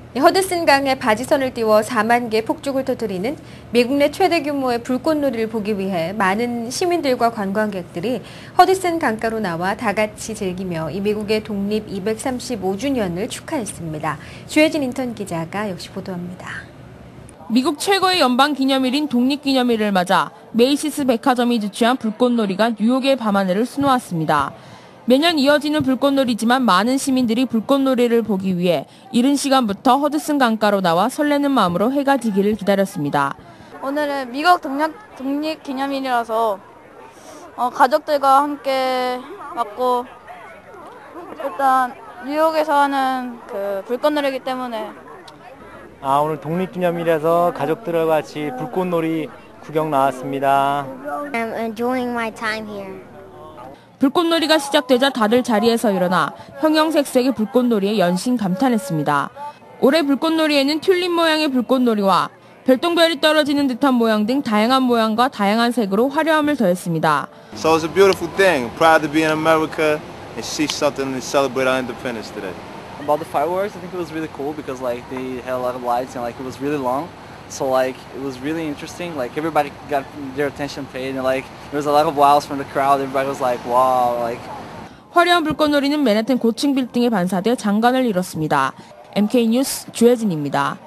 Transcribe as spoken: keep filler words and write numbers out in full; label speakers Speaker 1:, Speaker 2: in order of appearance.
Speaker 1: 허드슨 강에 바지선을 띄워 사만 개 폭죽을 터뜨리는 미국 내 최대 규모의 불꽃놀이를 보기 위해 많은 시민들과 관광객들이 허드슨 강가로 나와 다 같이 즐기며 이 미국의 독립 이백삼십오 주년을 축하했습니다. 주혜진 인턴 기자가 역시 보도합니다.
Speaker 2: 미국 최고의 연방 기념일인 독립기념일을 맞아 메이시스 백화점이 주최한 불꽃놀이가 뉴욕의 밤하늘을 수놓았습니다. 매년 이어지는 불꽃놀이지만 많은 시민들이 불꽃놀이를 보기 위해 이른 시간부터 허드슨 강가로 나와 설레는 마음으로 해가 지기를 기다렸습니다.
Speaker 3: 오늘은 미국 독립, 독립기념일이라서 어, 가족들과 함께 왔고 일단 뉴욕에서 하는 그 불꽃놀이기 때문에
Speaker 4: 아, 오늘 독립기념일에서 가족들과 같이 불꽃놀이 구경 나왔습니다.
Speaker 5: I'm enjoying my time here.
Speaker 2: 불꽃놀이가 시작되자 다들 자리에서 일어나 형형색색의 불꽃놀이에 연신 감탄했습니다. 올해 불꽃놀이에는 튤립 모양의 불꽃놀이와 별똥별이 떨어지는 듯한 모양 등 다양한 모양과 다양한 색으로 화려함을 더했습니다.
Speaker 6: So it's a beautiful thing. Proud to be in America and see something to celebrate our independence today.
Speaker 7: About the fireworks, I think it was really cool because like they had a lot of lights and like it was really long. So like it was really interesting. Like everybody got their attention paid and like there was a lot of wows from the crowd. Everybody was like, wow, like.
Speaker 2: 화려한 불꽃놀이는 맨해튼 고층 빌딩에 반사돼 장관을 이뤘습니다. 엠케이 뉴스 주혜진입니다.